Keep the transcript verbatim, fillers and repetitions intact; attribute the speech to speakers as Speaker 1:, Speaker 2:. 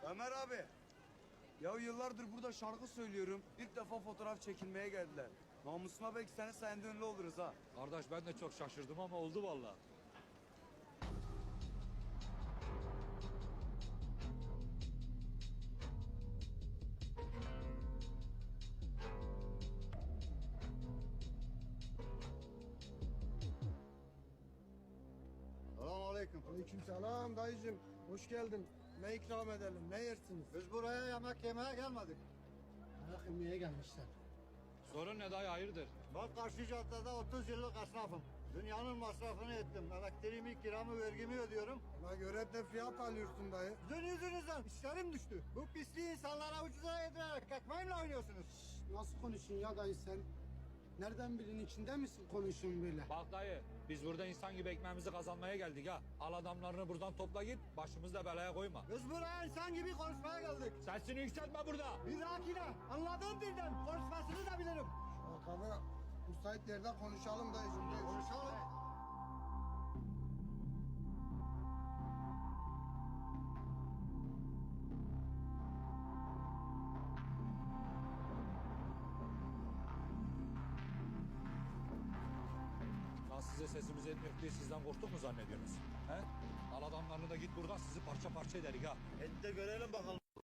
Speaker 1: Ömer abi. Ya yıllardır burada şarkı söylüyorum. İlk defa fotoğraf çekilmeye geldiler. Namusuma belki senin sayende ünlü oluruz ha.
Speaker 2: Kardeş ben de çok şaşırdım ama oldu vallahi.
Speaker 3: Selamünaleyküm.
Speaker 4: Aleykümselam dayıcım. Hoş geldin. Ne ikram edelim, ne yersiniz?
Speaker 3: Biz buraya yemek yemeye gelmedik.
Speaker 4: Ayak yemeye gelmişler.
Speaker 2: Sorun ne dayı hayırdır?
Speaker 3: Ben karşı caddede otuz yıllık esnafım. Dünyanın masrafını ettim. Elektriğimi, kiramı, vergimi ödüyorum.
Speaker 4: Ona göre de fiyat alıyorsun dayı.
Speaker 3: Sizin yüzünüzden işlerim düştü. Bu pisliği insanlara ucuza yedirerek ekmeğimle oynuyorsunuz.
Speaker 4: Nasıl konuşuyorsun ya dayı sen? Nereden birinin içinde misin konuşuyorsun böyle?
Speaker 2: Bak dayı biz burada insan gibi ekmeğimizi kazanmaya geldik ha. Al adamlarını buradan topla git başımızı da belaya koyma.
Speaker 3: Biz buraya insan gibi konuşmaya geldik.
Speaker 2: Sesini yükseltme burada.
Speaker 3: Bir dahakine anladığım dilden konuşmasını da bilirim.
Speaker 4: Bakalım müsait yerde konuşalım dayıcım. Konuşalım.
Speaker 3: Konuşalım.
Speaker 2: Lan size sesimiz etmiyor diye sizden korktuk mu zannediyorsunuz? He? Al adamlarını da git buradan sizi parça parça ederiz ha.
Speaker 3: Et de görelim bakalım